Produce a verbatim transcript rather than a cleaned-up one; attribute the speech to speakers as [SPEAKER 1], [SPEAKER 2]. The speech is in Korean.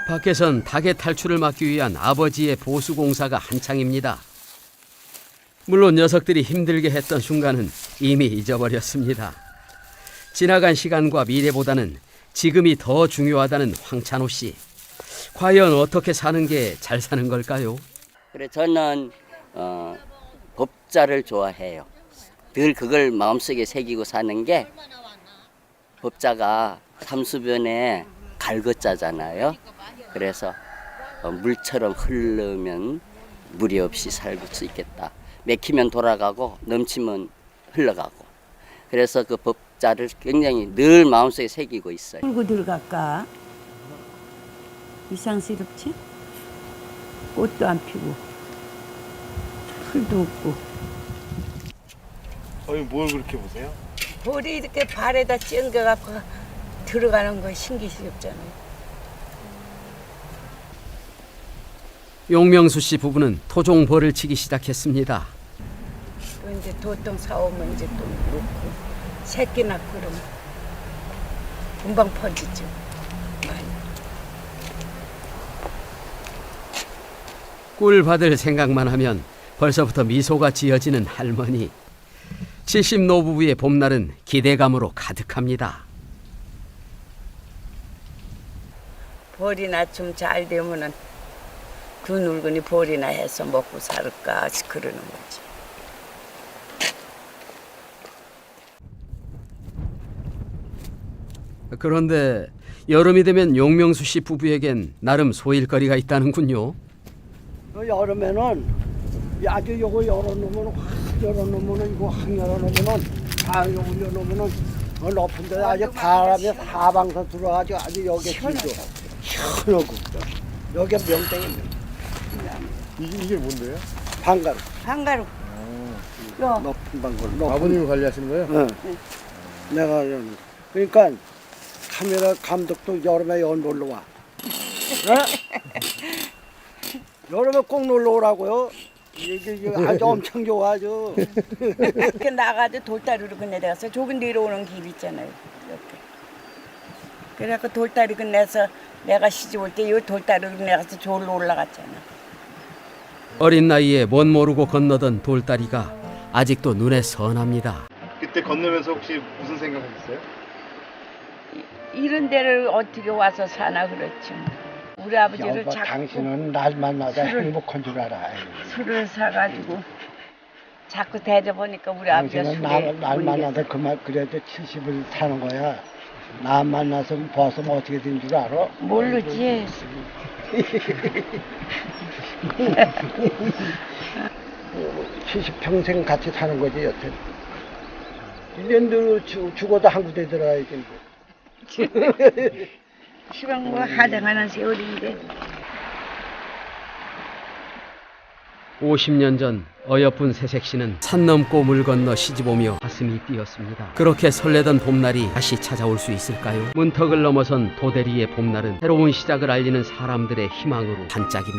[SPEAKER 1] 밖에선 닭의 탈출을 막기 위한 아버지의 보수 공사가 한창입니다. 물론 녀석들이 힘들게 했던 순간은 이미 잊어버렸습니다. 지나간 시간과 미래보다는 지금이 더 중요하다는 황찬호 씨. 과연 어떻게 사는 게 잘 사는 걸까요?
[SPEAKER 2] 그래 저는 어, 법자를 좋아해요. 늘 그걸 마음속에 새기고 사는 게 법자가 삼수변에 갈것자잖아요. 그래서 어, 물처럼 흐르면 무리 없이 살 수 있겠다. 맥히면 돌아가고 넘치면 흘러가고. 그래서 그 법자를 굉장히 늘 마음속에 새기고 있어요.
[SPEAKER 3] 풀고 들어갈까? 이상스럽지? 꽃도 안 피고 풀도 없고.
[SPEAKER 4] 어이 뭘 그렇게 보세요?
[SPEAKER 5] 볼이 이렇게 발에다 찡겨갖고 들어가는 거 신기스럽잖아요.
[SPEAKER 1] 용명수 씨 부부는 토종벌을 치기 시작했습니다.
[SPEAKER 5] 또 이제 도통 사오면 이제 또 놓고 새끼 낳고 그러면 금방 퍼지죠. 많이.
[SPEAKER 1] 꿀 받을 생각만 하면 벌써부터 미소가 지어지는 할머니. 칠십 노부부의 봄날은 기대감으로 가득합니다.
[SPEAKER 5] 벌이나 좀 잘 되면은 두 늙은이 벌이나 해서 먹고 살까 그러는 거지.
[SPEAKER 1] 그런데 여름이 되면 용명수 씨 부부에겐 나름 소일거리가 있다는군요.
[SPEAKER 6] 여름에는 아주 요거 열어놓으면 확 열어놓으면 이거 확 열어놓으면 다 요거 열어놓으면 어, 높은 데 아주 바람이 사방서 들어가지고 아주 여기 시원하고 시원하고 여기 명땡입니다.
[SPEAKER 4] 이게, 이게 뭔데요?
[SPEAKER 6] 방가루
[SPEAKER 5] 한가루.
[SPEAKER 6] 높은 방가루 높은
[SPEAKER 4] 아버님이 관리하시는 거예요?
[SPEAKER 6] 응. 내가 이러는 거. 그러니까 카메라 감독도 여름에 여기 놀러 와. 네? 여름에 꼭 놀러 오라고요. 이게, 이게 아주 엄청 좋아 아주.
[SPEAKER 5] 이렇게 나가도 돌다리로 건너다가서 조금 내려오는 길 있잖아요. 이렇게. 그래갖고 돌다리 건너서 내가 시집 올 때 이 돌다리로 건너가서 저기로 올라갔잖아.
[SPEAKER 1] 어린 나이에 멋 모르고 건너던 돌다리가 아직도 눈에 선합니다.
[SPEAKER 4] 그때 건너면서 혹시 무슨 생각하셨어요?
[SPEAKER 5] 이런 데를 어떻게 와서 사나 그렇지. 우리 아버지를
[SPEAKER 6] 여보,
[SPEAKER 5] 자꾸
[SPEAKER 6] 당신은 날 만나다
[SPEAKER 5] 술을-
[SPEAKER 6] 행복한 줄 알아.
[SPEAKER 5] 술을 사가지고 자꾸 대접하니까 우리 아버지가
[SPEAKER 6] 당신은
[SPEAKER 5] 술에
[SPEAKER 6] 날, 날 만나다 그만 그래도 칠십을 사는 거야. 나 만나서 벗으면 어떻게 된 줄 알아?
[SPEAKER 5] 모르지.
[SPEAKER 6] 칠십 평생 같이 사는 거지 여태. 일 년도 죽어도 한 군데 들어가야지.
[SPEAKER 5] 시방 뭐 하장하는 세월인데.
[SPEAKER 1] 오십 년 전 어여쁜 새색 씨는 산 넘고 물 건너 시집오며 가슴이 뛰었습니다. 그렇게 설레던 봄날이 다시 찾아올 수 있을까요? 문턱을 넘어선 도대리의 봄날은 새로운 시작을 알리는 사람들의 희망으로 반짝입니다.